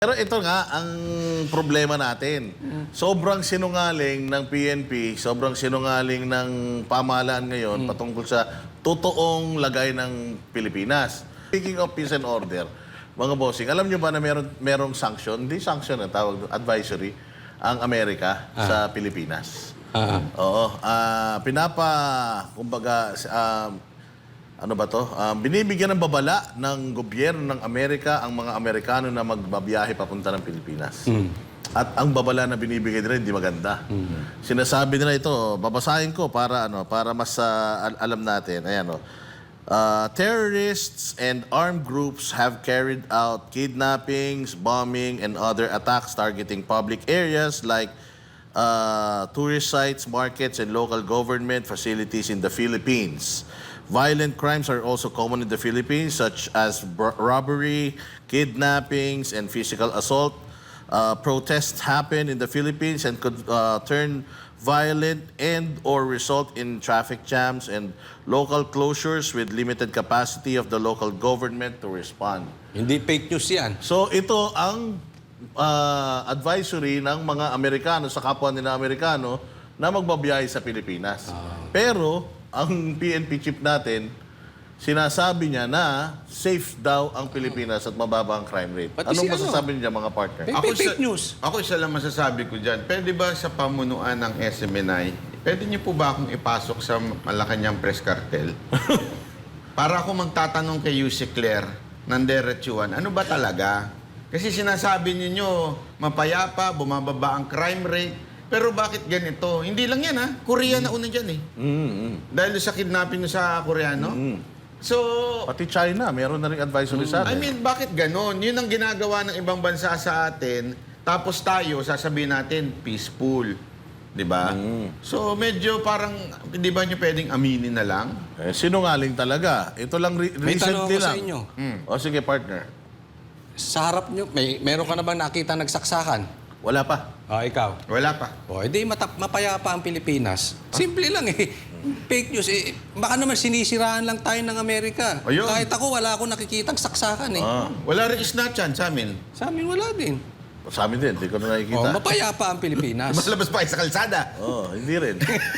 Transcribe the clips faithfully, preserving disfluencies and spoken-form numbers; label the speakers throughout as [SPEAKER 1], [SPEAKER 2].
[SPEAKER 1] Pero ito nga ang problema natin. Sobrang sinungaling ng P N P, sobrang sinungaling ng pamahalaan ngayon patungkol sa totoong lagay ng Pilipinas. Speaking of peace and order, mga bossing, alam nyo ba na meron, merong sanction? Hindi sanction ang tawag, advisory, ang Amerika
[SPEAKER 2] Ah.
[SPEAKER 1] sa Pilipinas.
[SPEAKER 2] Ah.
[SPEAKER 1] Oo. ah, pinapa, kumbaga, ah, ano ba to? Ah, binibigyan ng babala ng gobyerno ng Amerika ang mga Amerikano na magbabiyahe papunta ng Pilipinas. At ang babala na binibigay nila hindi maganda. Sinasabi nila ito, babasahin ko para ano, para mas ah, al- alam natin. Ayan oh. Uh, terrorists and armed groups have carried out kidnappings, bombing, and other attacks targeting public areas like uh, tourist sites, markets, and local government facilities in the Philippines. Violent crimes are also common in the Philippines, such as br- robbery, kidnappings, and physical assault. Uh, protests happen in the Philippines and could uh, turn violent and or result in traffic jams and local closures with limited capacity of the local government to respond.
[SPEAKER 2] Hindi fake news yan.
[SPEAKER 1] So ito ang uh, advisory ng mga Amerikano sa kapwa nila Amerikano na magbabiyahe sa Pilipinas. Pero ang P N P chief natin, sinasabi niya na safe daw ang Pilipinas at mababa ang crime rate.
[SPEAKER 2] Pati
[SPEAKER 1] Anong
[SPEAKER 2] si ano?
[SPEAKER 1] masasabi niya mga partner?
[SPEAKER 2] Fake, fake, fake news.
[SPEAKER 3] Ako isa lang masasabi ko dyan. Pwede ba sa pamunuan ng S M N I, pwede niyo po ba akong ipasok sa Malacanang Press Cartel? Para ako magtatanong kay Yusek Claire ng Derechuan, ano ba talaga? Kasi sinasabi niyo mapayapa, bumababa ang crime rate. Pero bakit ganito? Hindi lang yan ha. Korea na una dyan eh.
[SPEAKER 1] Mm-hmm.
[SPEAKER 3] Dahil sa kidnapping sa Koreano. So,
[SPEAKER 1] Pati China, meron na rin advisory sa
[SPEAKER 3] I
[SPEAKER 1] atin.
[SPEAKER 3] mean, bakit ganon? Yun ang ginagawa ng ibang bansa sa atin. Tapos tayo, sasabihin natin, peaceful. Di ba? So, medyo parang, di ba nyo pwedeng aminin na lang?
[SPEAKER 1] Eh, sinungaling talaga. Ito lang re-
[SPEAKER 2] May tanong
[SPEAKER 1] recently
[SPEAKER 2] ako sa
[SPEAKER 1] lang.
[SPEAKER 2] inyo.
[SPEAKER 1] O sige partner.
[SPEAKER 2] Sa harap nyo, may, meron ka na bang nakita nagsaksakan?
[SPEAKER 1] Wala pa.
[SPEAKER 2] O, ikaw.
[SPEAKER 3] Wala pa.
[SPEAKER 2] O, edi matap, mapayapa ang Pilipinas. Simple lang eh. Fake news eh. Baka naman sinisiraan lang tayo ng Amerika.
[SPEAKER 3] Ayun.
[SPEAKER 2] Kahit ako, wala akong nakikitang saksakan eh.
[SPEAKER 1] Ah,
[SPEAKER 3] Wala rin isnachan sa amin.
[SPEAKER 2] Sa amin, wala din.
[SPEAKER 1] sa amin din, hindi ko na
[SPEAKER 2] O,
[SPEAKER 1] nakikita.
[SPEAKER 2] mapayapa ang Pilipinas.
[SPEAKER 3] Mas pa kayo sa kalsada.
[SPEAKER 1] Oh, hindi rin.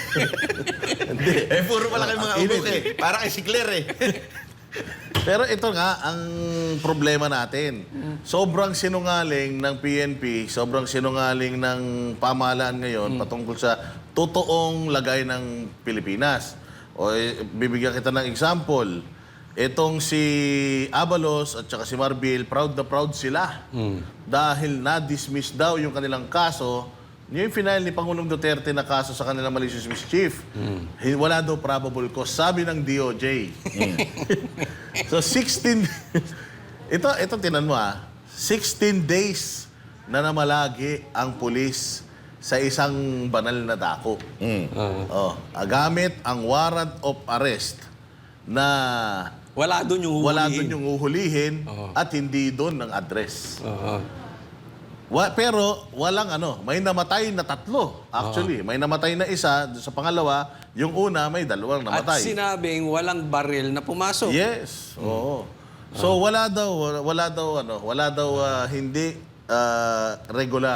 [SPEAKER 1] Hindi.
[SPEAKER 3] Eh, puro pala kayo mga
[SPEAKER 1] Init.
[SPEAKER 3] ubok eh. Para kay si Claire eh.
[SPEAKER 1] Pero ito nga ang problema natin. Sobrang sinungaling ng P N P, sobrang sinungaling ng pamahalaan ngayon patungkol sa totoong lagay ng Pilipinas. O eh, bibigyan kita ng example. Itong si Abalos at saka si Marbil, proud na proud sila. Dahil na-dismiss daw yung kanilang kaso. Yung final ni Pangulong Duterte na kaso sa kanilang malicious mischief. Hin- Wala daw probable cause. Sabi ng D O J. So sixteen ito ito tinan mo ah. sixteen days na namalagi ang pulis sa isang banal na dako. Oh, ah, gamit ang warrant of arrest na
[SPEAKER 2] Wala doon yung
[SPEAKER 1] wala
[SPEAKER 2] huhulihin.
[SPEAKER 1] doon yung uhulihin
[SPEAKER 2] Oo.
[SPEAKER 1] at hindi doon ang address.
[SPEAKER 2] Oo.
[SPEAKER 1] Wa, pero walang ano, may namatay na tatlo. Actually, may namatay na isa, doon sa pangalawa, yung una may dalawang
[SPEAKER 2] At
[SPEAKER 1] namatay.
[SPEAKER 2] sinabing walang baril na pumasok.
[SPEAKER 1] Yes. Oo. So wala daw wala daw ano, wala daw ah, hindi ah, regular.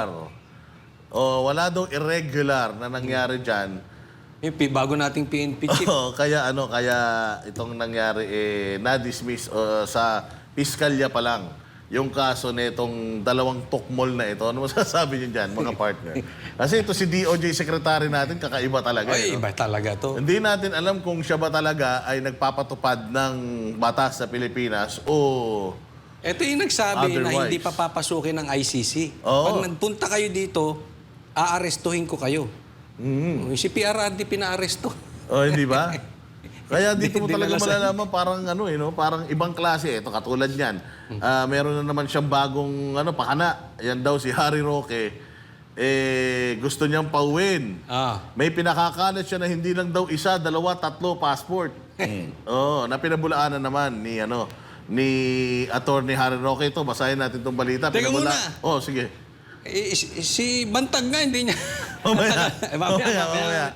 [SPEAKER 1] O wala daw irregular na nangyari diyan.
[SPEAKER 2] Eh, pi- bago nating P N P chief.
[SPEAKER 1] Oo, kaya ano, kaya itong nangyari eh na-dismiss uh, sa piskalya pa lang yung kaso nitong dalawang tukmol na ito. Ano masasabi niyo diyan, mga partner? Kasi ito si D O J secretary natin, kakaiba talaga.
[SPEAKER 2] Ay,
[SPEAKER 1] eh, no?
[SPEAKER 2] iba talaga to.
[SPEAKER 1] Hindi natin alam kung siya ba talaga ay nagpapatupad ng batas sa Pilipinas o
[SPEAKER 2] Ito yung nagsabi na
[SPEAKER 1] Otherwise.
[SPEAKER 2] hindi pa papasukin ng I C C.
[SPEAKER 1] Oo.
[SPEAKER 2] Pag nagpunta kayo dito, aarestuhin ko kayo.
[SPEAKER 1] Mm.
[SPEAKER 2] Si P R R D pinaaresto.
[SPEAKER 1] oh, hindi ba? Kaya dito mo
[SPEAKER 2] Di-
[SPEAKER 1] talaga
[SPEAKER 2] dinala sa-
[SPEAKER 1] malalaman parang ano eh, no? Parang ibang klase. Ito katulad niyan. Ah, meron na naman siyang bagong ano, pakana. Yan daw si Harry Roque. Eh, gusto niyang pauwin.
[SPEAKER 2] Ah.
[SPEAKER 1] May pinakakalat siya na hindi lang daw isa, dalawa, tatlo passport. Oo, na pinabulaanan naman ni ano ni Attorney Harry Roque ito. Basahin natin tong balita.
[SPEAKER 2] Teka
[SPEAKER 1] Pinabula-
[SPEAKER 2] muna.
[SPEAKER 1] Oh, sige.
[SPEAKER 2] Eh, si, si Bantag nga, hindi niya.
[SPEAKER 1] Mamaya.
[SPEAKER 2] Eh, mamaya,
[SPEAKER 1] Mamaya,
[SPEAKER 2] mamaya.
[SPEAKER 1] mamaya.